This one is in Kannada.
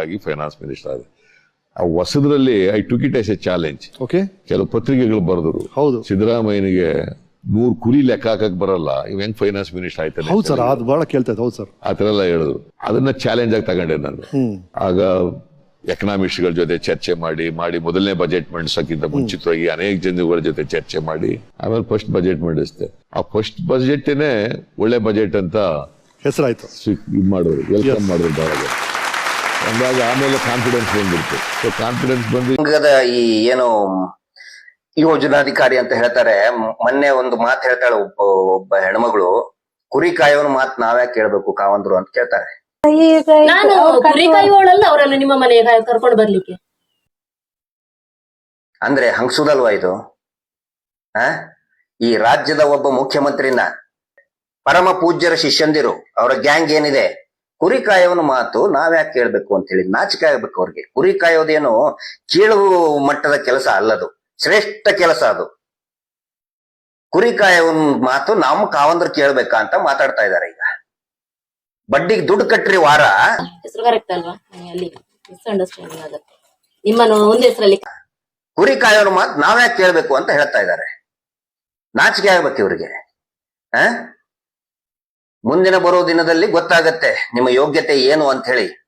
ಆಗಿ ಫೈನಾನ್ಸ್ ಮಿನಿಸ್ಟರ್ ಆದ. ಆ ಹೊಸದ್ರಲ್ಲಿ I took it as a challenge. ಕೆಲವು ಪತ್ರಿಕೆಗಳು ಬರೆದ್ರು, ಹೌದು, ಸಿದ್ದರಾಮಯ್ಯನಿಗೆ 100 ಕುರಿ ಲೆಕ್ಕ ಹಾಕಕ್ ಬರಲ್ಲ, ಇವ್ ಹೆಂಗ್ ಫೈನಾನ್ಸ್ ಮಿನಿಸ್ಟರ್ ಆಯ್ತಾನೆ. ಹೌದು ಸರ್, ಅದು ಬಹಳ ಕೇಳ್ತಾ ಇತ್ತು. ಹೌದು ಸರ್, ಆತರ ಎಲ್ಲ ಹೇಳಿದ್ರು. ಅದನ್ನ ಚಾಲೆಂಜ್ ಆಗಿ ತಗೊಂಡೆ ನಾನು. ಆಗ ಎಕನಾಮಿಸ್ಟ್ಗಳ ಜೊತೆ ಚರ್ಚೆ ಮಾಡಿ ಮೊದಲನೇ ಬಜೆಟ್ ಮಂಡಿಸೋಕ್ಕಿಂತ ಮುಂಚಿತವಾಗಿ ಅನೇಕ ಜನಗಳ ಜೊತೆ ಚರ್ಚೆ ಮಾಡಿ ಆಮೇಲೆ ಫಸ್ಟ್ ಬಜೆಟ್ ಮಂಡಿಸಿದೆ. ಆ ಫಸ್ಟ್ ಬಜೆಟ್ನೇ ಒಳ್ಳೆ ಬಜೆಟ್ ಅಂತ ಹೆಸರಾಯ್ತು, ಇದು ಮಾಡಿದ್ರು, ವೆಲ್ಕಮ್ ಮಾಡಿದ್ರು. ಅಂದಾಗ ಆಮೇಲೆ ಕಾನ್ಫಿಡೆನ್ಸ್ ಬಂದ್ಬಿಡ್ತು. ಸೊ ಕಾನ್ಫಿಡೆನ್ಸ್ ಬಂದು ಈ ಏನು ಯೋಜನಾಧಿಕಾರಿ ಅಂತ ಹೇಳ್ತಾರೆ. ಮೊನ್ನೆ ಒಂದು ಮಾತು ಹೇಳ್ತಾಳೆ ಒಬ್ಬ ಹೆಣ್ಮಗಳು, ಕುರಿ ಕಾಯೋನ್ ಮಾತ್ ನಾವ್ಯಾಕೆ ಕೇಳ್ಬೇಕು ಕಾವಂದ್ರು ಅಂತ ಕೇಳ್ತಾರೆ. ನಾನು ಕುರಿ ಕಾಯುವಳಲ್ಲ ಅವರನ್ನು ನಿಮ್ಮ ಮನೆಗೆ ಕರ್ಕೊಂಡು ಬರ್ಲಿಕ್ಕೆ. ಅಂದ್ರೆ ಹಂಗ್ಸುದಲ್ವಾ ಇದು? ಈ ರಾಜ್ಯದ ಒಬ್ಬ ಮುಖ್ಯಮಂತ್ರಿನ ಪರಮ ಪೂಜ್ಯರ ಶಿಷ್ಯಂದಿರು, ಅವರ ಗ್ಯಾಂಗ್ ಏನಿದೆ, ಕುರಿ ಕಾಯೋನ ಮಾತು ನಾವ್ಯಾಕೆ ಕೇಳ್ಬೇಕು ಅಂತ ಹೇಳಿ ನಾಚಿಕೆ ಆಗ್ಬೇಕು ಅವ್ರಿಗೆ. ಕುರಿ ಕಾಯೋದೇನು ಕೀಳು ಮಟ್ಟದ ಕೆಲಸ ಅಲ್ಲದು, ಶ್ರೇಷ್ಠ ಕೆಲಸ ಅದು. ಕುರಿ ಕಾಯೋನ್ ಮಾತು ನಮ್ಮ ಕಾವಂದ್ರು ಕೇಳ್ಬೇಕಾ ಅಂತ ಮಾತಾಡ್ತಾ ಇದಾರೆ. ಈಗ ಬಡ್ಡಿಗೆ ದುಡ್ಡು ಕಟ್ಟ್ರಿ ವಾರ. ಹೆಸರು ಕರೆಕ್ಟ್ ಅಲ್ವಾ? ಅಲ್ಲಿ ಮಿಸ್ಅಂಡರ್ಸ್ಟ್ಯಾಂಡಿಂಗ್ ಆಗುತ್ತೆ. ನಿಮ್ಮನ್ನು ಒಂದ್ ಹೆಸರಲ್ಲಿ ಕುರಿ ಕಾಯೋನ ಮಾತು ನಾವ್ಯಾಕೆ ಕೇಳ್ಬೇಕು ಅಂತ ಹೇಳ್ತಾ ಇದ್ದಾರೆ. ನಾಚಿಕೆ ಆಗ್ಬೇಕು ಇವ್ರಿಗೆ. ಮುಂದಿನ ಬರೋ ದಿನದಲ್ಲಿ ಗೊತ್ತಾಗತ್ತೆ ನಿಮ್ಮ ಯೋಗ್ಯತೆ ಏನು ಅಂತ ಹೇಳಿ.